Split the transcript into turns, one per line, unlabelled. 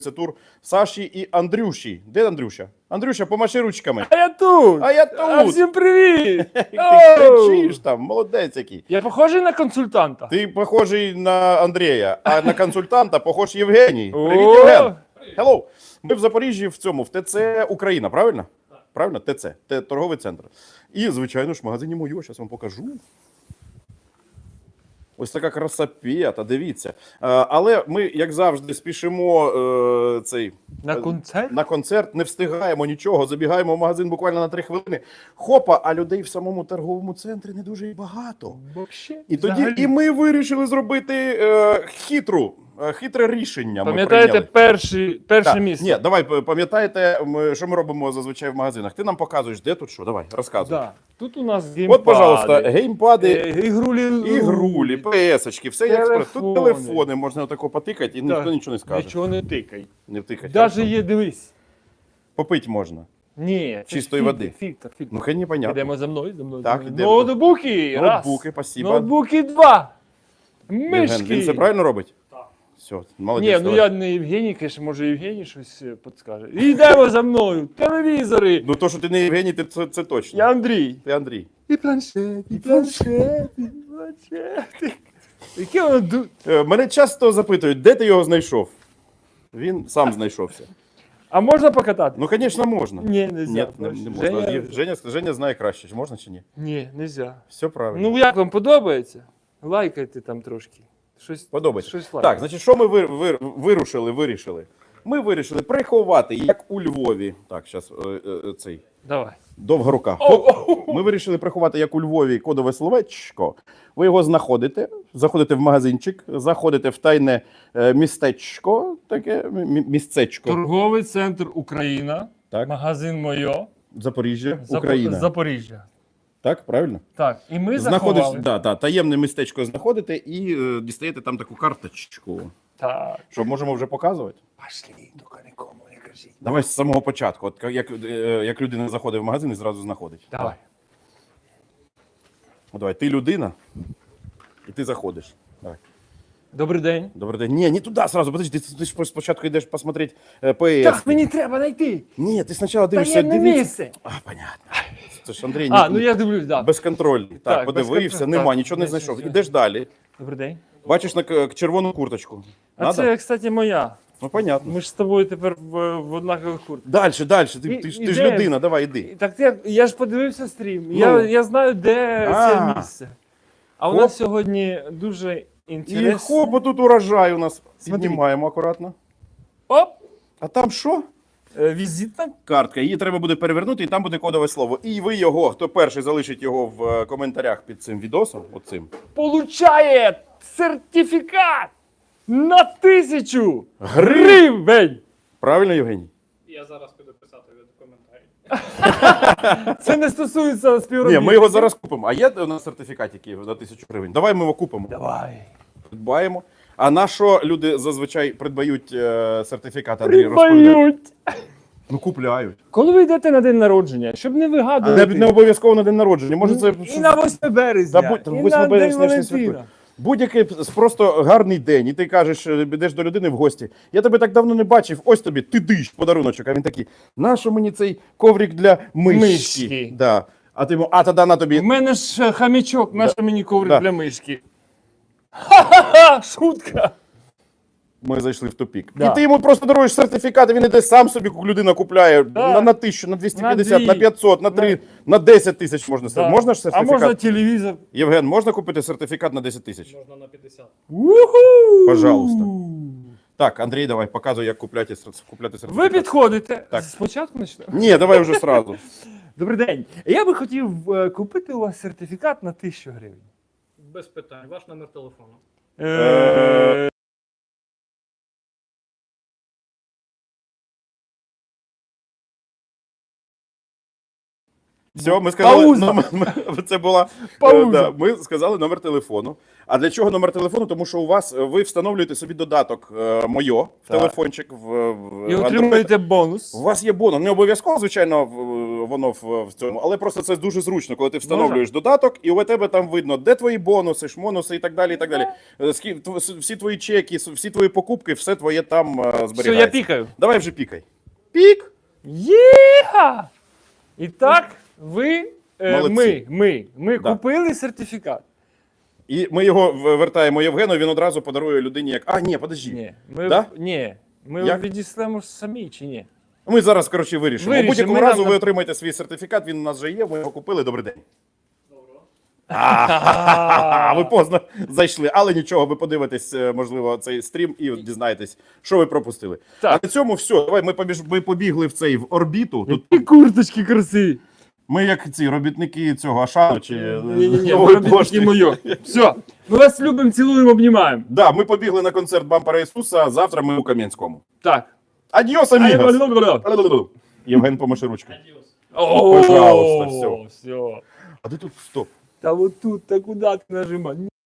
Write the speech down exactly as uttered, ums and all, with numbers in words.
Це тур Саші і Андрюші. Де Андрюша? Андрюша, помаши ручками.
А я тут!
А я тут!
А всім привіт!
Ти
Оу!
кричиш там, молодець який.
Я похожий на консультанта?
Ти похожий на Андрія, а на консультанта похож Євгеній.
О!
Привіт, Євген! Hello! Ми в Запоріжжі в цьому, в ТЦ Україна, правильно? Правильно? ТЦ, Т- торговий центр. І, звичайно ж, в магазині Мойо, зараз вам покажу. Ось така красапета, дивіться. Е, Але ми, як завжди, спішимо е, цей,
На
е,
концерт?
на концерт, не встигаємо нічого, забігаємо в магазин буквально на три хвилини. Хопа, а людей в самому торговому центрі не дуже і багато.
Вообще,
І тоді
взагалі.
і ми вирішили зробити е, хитру, е, хитре рішення. ми
Пам'ятаєте
прийняли.
перший, перше
Так,
місце?
Ні, давай, п- пам'ятаєте, ми, що ми робимо зазвичай в магазинах? Ти нам показуєш, де тут що? Давай, розказуй.
Да. Тут у нас геймпади.
От, пожалуйста, геймпади,
Е, ігрулі.
ігрулі, ПС-очки, все як спро- Тут
Телефони.
телефони, можна отако потикати, і
Так.
ніхто нічого не скаже.
Нічого не тикай.
Не втикати.
Даже є, дивись.
Попити можна.
Ні, це
Чистої
фільтр,
води.
Фільтр, фільтр.
Ну, хай непонятно.
Йдемо за мною, за мною.
Так,
за мною.
йдемо.
Ноутбуки, раз.
Ноутбуки, спасибо.
Ноутбуки, два.
Євген,
Мишки.
він це правильно робить? Так. Все, молодець.
Ні, ну
давай.
я не Євгеній, конечно, може Євгеній щось е, підскаже. Йдемо за мною, телевізори.
Ну то, що ти не Євгеній, ти, це, це точно.
Я Андрій.
Ти Андрій.
І планшет, і планшет, і планшет. Яке воно ду...
Е, Мене часто запитують, де ти його знайшов? Він сам знайшовся.
А можна покатати?
Ну, звісно, можна.
Ні, нельзя.
Ні, не, не можна.
Женя-
Женя... Женя, Женя знає краще, чи можна чи ні.
Ні, нельзя.
Все правильно.
Ну як вам подобається? Лайкайте там трошки. Щось,
Подобається.
щось
Так,
лайкайте.
значить, що ми вир, вир, вирушили, вирішили? Ми вирішили приховати, як у Львові. Так, зараз цей.
Давай.
Довга рука.
О,
Хоп.
о, о.
Ми вирішили приховати, як у Львові, кодове словечко. Ви його знаходите, заходите в магазинчик, заходите в тайне е, містечко, таке мі- місцечко.
Торговий центр Україна.
Так.
Магазин Мойо.
Запоріжжя,
Запо-
Україна.
Запоріжжя.
Так, правильно?
Так, і ми
Знаходиш,
заховали.
да, да, таємне містечко знаходите і е, дістаєте там таку карточку.
Так.
Що, можемо вже показувати?
Пошли, тільки нікому не кажіть.
Давай з самого початку. От як, е, як людина заходить в магазин і зразу знаходить.
Давай.
От давай, ти людина, і ти заходиш. Давай.
Добрий день.
Добрий день. Ні, не туди сразу, подожди, ти, ти ж спочатку йдеш посмотреть е, ПС.
Так, мені треба знайти.
Ні, ти спочатку дивишся,
Таємне
дивіться.
місце.
А, понятно. Це ж Андрій,
А,
ні-
ну я дивлюсь, так.
безконтрольний. Так,
Так,
подивився,
безконтроль-
нема,
так,
нічого не
десь
знайшов.
все.
Ідеш далі,
Добрий день.
бачиш на к- червону курточку.
А
Надо?
це, кстати, моя.
Ну, понятно.
Ми ж з тобою тепер в, в однакових куртках.
Далі, далі, ти,
І-
ти, ж-
і
ти ж
де?
людина, давай, іди.
Так я, я ж подивився стрім.
Ну.
Я, я знаю, де
А.
це місце. А у
Хоп.
нас сьогодні дуже
І
інтересно.
хоп, тут урожай у нас.
Смотри.
Піднімаємо акуратно.
Оп!
А там що?
Е, Візитна.
Картка. Її треба буде перевернути, і там буде кодове слово. І ви його, хто перший залишить його в е, коментарях під цим відосом, оцим,
Получає сертифікат на тисячу
Гривень.
гривень.
Правильно, Євгеній?
Я зараз піду писати від коментарі.
Це не стосується
Ні,
співробітників.
ми його зараз купимо. А є у нас сертифікат, який на тисячу гривень? Давай ми його купимо.
Давай.
Придбаємо. А на що люди зазвичай придбають е, сертифікат, Андрій розповідає?
Прибають.
Ну, купляють.
Коли ви йдете на день народження, щоб не
Не,
вигадувати.
не обов'язково на день народження. Може, це
І на восьме березня,
Та будь-
і
восьме
на
березня
День
ж не
Валентина.
святкує. Будь-який просто гарний день, і ти кажеш, е, йдеш до людини в гості. Я тебе так давно не бачив, ось тобі, ти диш, подаруночок. А він такий, нащо мені цей коврик для мишки?
Мишки.
Да. А ти йому, а тоді на
У
тобі.
мене ж е, хамічок, наш мені коврик
Да.
для мишки. Ха-ха-ха! Шутка!
Ми зайшли в тупік.
Да.
І ти йому просто даруєш сертифікат, і він іде сам собі, людина купляє
Да.
на, на тисячу, на двісті п'ятдесят,
дві.
на п'ятсот, на три, на десять тисяч можна.
Да.
Можна ж
А
сертифікат?
можна телевізор.
Євген, можна купити сертифікат на десять тисяч?
Можна на п'ятдесят.
Уху!
Пожалуйста. Так, Андрій, давай, показуй, як купляти, сер- купляти
Ви
сертифікат.
підходите.
Так.
Спочатку почнемо.
Ні, давай вже сразу.
Добрий день. Я би хотів е, купити у вас сертифікат на тисячу гривень.
Без питань. Ваш номер телефону.
Е,
Все, ми сказали,
Пауза.
номер, ми- це була
Пауза.
е, да, ми сказали номер телефону. А для чого номер телефону? Тому що у вас е, ви встановлюєте собі додаток е, моє в
Так.
телефончик в, в
І
Android.
отримуєте бонус.
У вас є бонус. Не обов'язково, звичайно, в- воно в, в цьому, але просто це дуже зручно, коли ти встановлюєш додаток, і у тебе там видно, де твої бонуси, шмонуси і так далі. І так далі. Е, скі- тв- Всі твої чеки, всі твої покупки, все твоє там е, зберігається.
Все, я пікаю.
Давай вже пікай. Пік!
Єха! І так, ви, е,
Молодці.
ми, ми, ми
Да.
купили сертифікат.
І ми його в- вертаємо Євгену, він одразу подарує людині як. А, ні, подожди.
Ні, ми,
Да?
ні, ми
Як?
відіслемо самі чи ні?
Ми зараз, коротше, вирішимо. У
Вирішимо,
будь-якому
ми
разу
нам-
ви отримаєте свій сертифікат, він у нас вже є, ми його купили. Добрий день.
Доброго.
А, ви поздно зайшли, але нічого, ви подивитесь, е, можливо, цей стрім і дізнаєтесь, що ви пропустили.
Так.
А на цьому все. Давай ми, побіж... ми побігли в цей в орбіту. Тут
Які курточки красиві.
ми, як ці робітники цього Ашану чи е,
Ні-ні-ні,
Нової
робіть
пошти.
такі моє. Все, ми вас любимо, цілуємо, обнімаємо.
Да, ми побігли на концерт Бампера Ісуса. Завтра ми у Кам'янському.
Так.
Адіос, амігос! Євген помаши ручкою.
Адіос.
О,
Пожалуйста, всё.
все.
А де тут стоп?
Та вот тут, та куди ти нажимаєш?